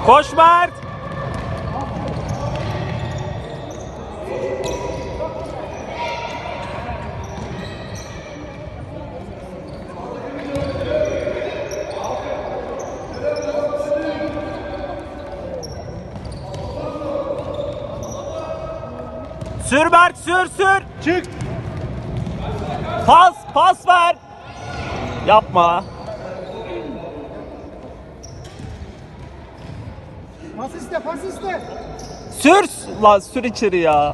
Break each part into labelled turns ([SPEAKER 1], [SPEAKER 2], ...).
[SPEAKER 1] Koş Mert. Sür Mert, sür.
[SPEAKER 2] Çık.
[SPEAKER 1] Pas ver. Yapma.
[SPEAKER 2] Pas iste.
[SPEAKER 1] Sür lan, sür içeri ya.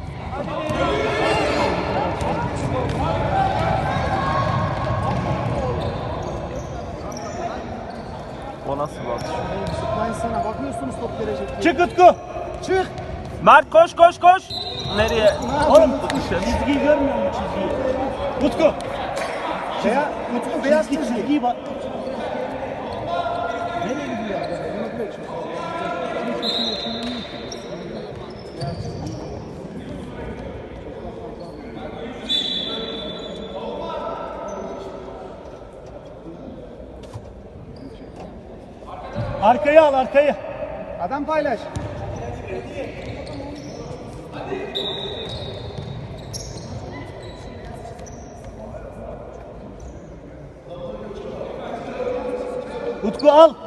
[SPEAKER 1] O nasıl bir atış?
[SPEAKER 2] Sıkmayın sana. Bakıyorsunuz top gelecek diye. Çık Utku. Çık.
[SPEAKER 1] Mert koş. Nereye?
[SPEAKER 2] Oğlum çizgiyi görmüyor musun çizgiyi? Utku. Utku beyaz çizgiyi bak. Nereye gidiyor? Arkayı al, arkayı. Adam paylaş. Utku al.